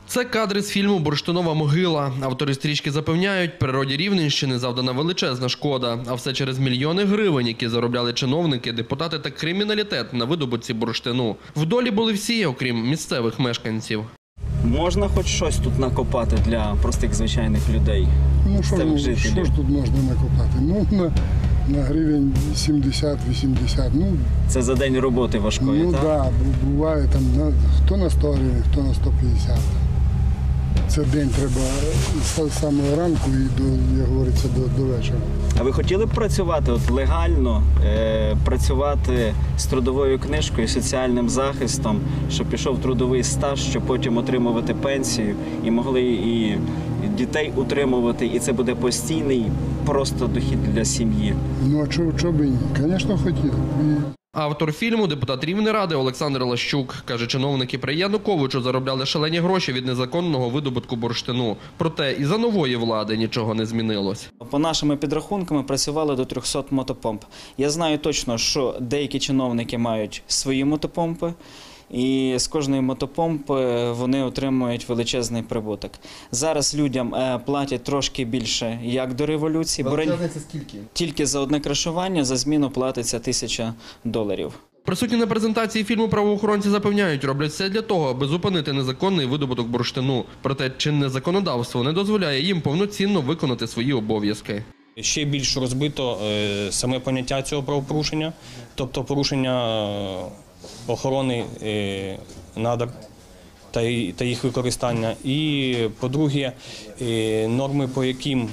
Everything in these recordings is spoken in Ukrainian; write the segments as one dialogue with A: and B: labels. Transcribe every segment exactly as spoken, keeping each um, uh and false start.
A: Це кадри з фільму «Бурштинова могила». Автори стрічки запевняють, природі Рівненщини завдана величезна шкода. А все через мільйони гривень, які заробляли чиновники, депутати та криміналітет на видобутці бурштину. В долі були всі, окрім місцевих мешканців.
B: Можна хоч щось тут накопати для простих звичайних людей?
C: Ну що, ну, що ж тут можна накопати? Ну, на, на гривень сімдесят-вісімдесят. Ну,
B: це за день роботи важкої,
C: ну,
B: так?
C: Ну так, да, буває там на, хто на сто гривень, хто на сто п'ятдесят. Це день треба з самого ранку і, до, як говориться, до, до вечора.
B: А ви хотіли б працювати от легально, е, працювати з трудовою книжкою, соціальним захистом, щоб пішов трудовий стаж, щоб потім отримувати пенсію і могли і дітей утримувати, і це буде постійний просто дохід для сім'ї?
C: Ну а чого, чого б і ні? Звісно, хотів.
A: Автор фільму, депутат Рівнеради Олександр Лащук, каже, чиновники при Януковичу заробляли шалені гроші від незаконного видобутку бурштину. Проте і за нової влади нічого не змінилось.
B: По нашими підрахунками працювали до трьохсот мотопомп. Я знаю точно, що деякі чиновники мають свої мотопомпи, і з кожної мотопомпи вони отримують величезний прибуток. Зараз людям платять трошки більше, як до революції.
A: Величезний – скільки?
B: Тільки за одне крашування за зміну платиться тисяча доларів.
A: Присутні на презентації фільму правоохоронці запевняють, роблять все для того, аби зупинити незаконний видобуток бурштину. Проте чинне законодавство не дозволяє їм повноцінно виконати свої обов'язки.
D: Ще більш розбито саме поняття цього правопорушення, тобто порушення охорони надр та їх використання. І, по-друге, норми, по яким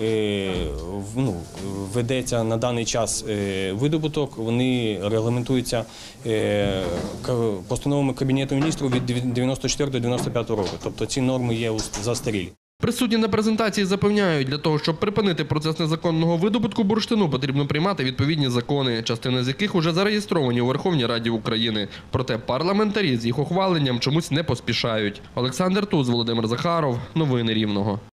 D: ну, ведеться на даний час видобуток, вони регламентуються постановами Кабінету міністрів від дев'яносто четвертого до дев'яносто п'ятого року. Тобто ці норми є застарілі.
A: Присутні на презентації запевняють, для того, щоб припинити процес незаконного видобутку бурштину, потрібно приймати відповідні закони, частина з яких уже зареєстровані у Верховній Раді України. Проте парламентарі з їх ухваленням чомусь не поспішають. Олександр Туз, Володимир Захаров. Новини Рівного.